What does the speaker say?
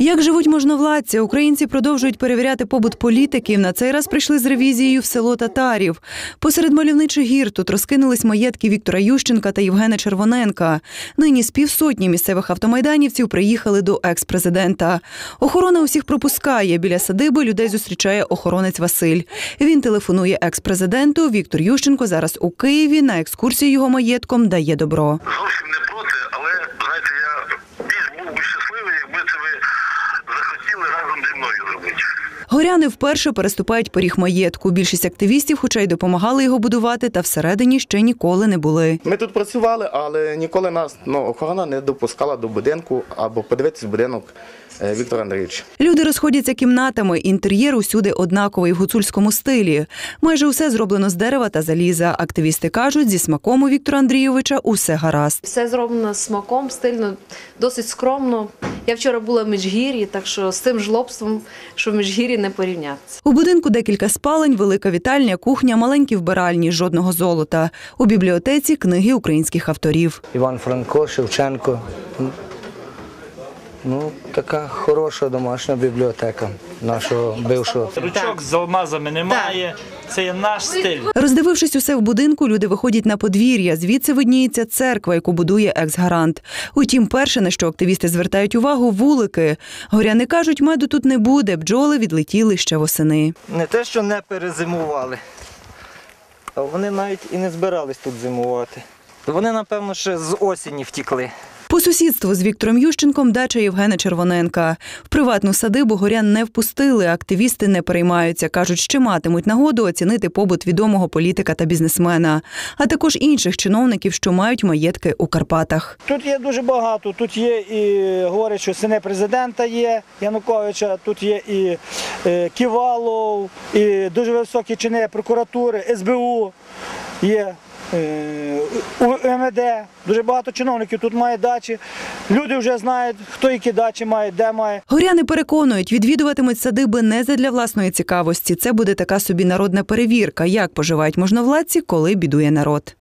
Як живуть можновладці? Українці продовжують перевіряти побут політиків. На цей раз прийшли з ревізією в село Татарів. Посеред мальовничих гір тут розкинулись маєтки Віктора Ющенка та Євгена Червоненка. Нині з півсотні місцевих автомайданівців приїхали до екс-президента. Охорона усіх пропускає. Біля садиби людей зустрічає охоронець Василь. Він телефонує екс-президенту. Віктор Ющенко зараз у Києві. На екскурсію його маєтком дає добро. Зовсім не проти, але, знаєте, я більш був би щасливий, якби це ви захотіли разом зі мною робити. Горяни вперше переступають поріг маєтку. Більшість активістів, хоча й допомагали його будувати, та всередині ще ніколи не були. Ми тут працювали, але ніколи нас охорона не допускала до будинку або подивитися будинок Віктора Андрійовича. Люди розходяться кімнатами. Інтер'єр усюди однаковий в гуцульському стилі. Майже усе зроблено з дерева та заліза. Активісти кажуть, зі смаком у Віктора Андрійовича усе гаразд. Все зроблено з смаком, стильно, досить скромно. Я вчора була в Міжгір'ї, так що з тим жлобством, що в Міжгір'ї, не порівнятися. У будинку декілька спалень, велика вітальня, кухня, маленькі вбиральні, жодного золота. У бібліотеці книги українських авторів. Іван Франко, Шевченко. Така хороша домашня бібліотека нашого бившого. Ручок з алмазами немає, це є наш стиль. Роздивившись усе в будинку, люди виходять на подвір'я. Звідси видніється церква, яку будує екс-гарант. Утім, перше, на що активісти звертають увагу – вулики. Горяни кажуть, меду тут не буде, бджоли відлетіли ще восени. Не те, що не перезимували, а вони навіть і не збирались тут зимувати. Вони, напевно, ще з осені втікли. По сусідству з Віктором Ющенком дача Євгена Червоненка. В приватну садибу горян не впустили, активісти не переймаються. Кажуть, ще матимуть нагоду оцінити побут відомого політика та бізнесмена, а також інших чиновників, що мають маєтки у Карпатах. Тут є дуже багато. Тут є і, говорять, що сини президента є, Януковича, тут є і Ківалов, і дуже високі чини прокуратури, СБУ є. УМВД, дуже багато чиновників тут має дачі. Люди вже знають, хто які дачі має, де має. Горяни переконують, відвідуватимуть садиби не задля власної цікавості. Це буде така собі народна перевірка, як поживають можновладці, коли бідує народ.